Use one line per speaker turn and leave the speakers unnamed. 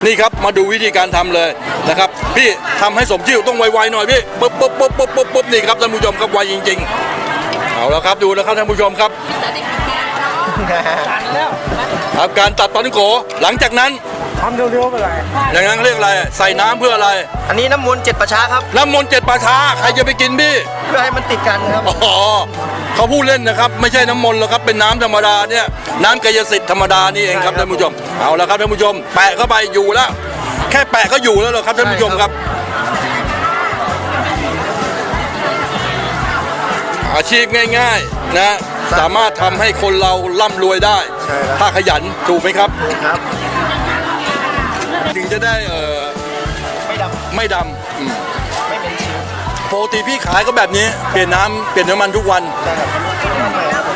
นี่ครับมาดูวิธีการทำเลยนะครับพี่ทำให้สมชื่อต้องไวๆหน่อยพี่ปุ๊บนี่ครับท่านผู้ชมครับไวจริงๆเอาแล้วครับดูนะครับท่านผู้ชมครับครับการตัดปลาท่องโกหลังจากนั้น
ทำเร็วๆไปเลย
อย่างนั้นเรียกอะไรใส่น้ำเพื่ออะไร
อันนี้น้ำมนต์7 ประชาครับ
น้ำมนต์7 ป่าช้าใครจะไปกินพี่
เพื่อให้มันติดกันครับ
อ๋อเขาพูดเล่นนะครับไม่ใช่น้ำมนต์หรอกครับเป็นน้ำธรรมดาเนี่ยน้ำกายสิทธิ์ธรรมดานี่เองครับท่านผู้ชมเอาละครับท่านผู้ชมแปะเข้าไปอยู่แล้วแค่แปะก็อยู่แล้วเหรอครับท่านผู้ชมครับอาชีพง่ายๆนะสามารถทำให้คนเราร่ำรวยได้ถ้าขยันถูกไหมครับ
ครับ
ถึงจะได้ไม่ดำปกติพี่ขายก็แบบนี้เปลี่ยนน้ำเปลี่ยนน้ำมันทุกวัน
ใช่ครับ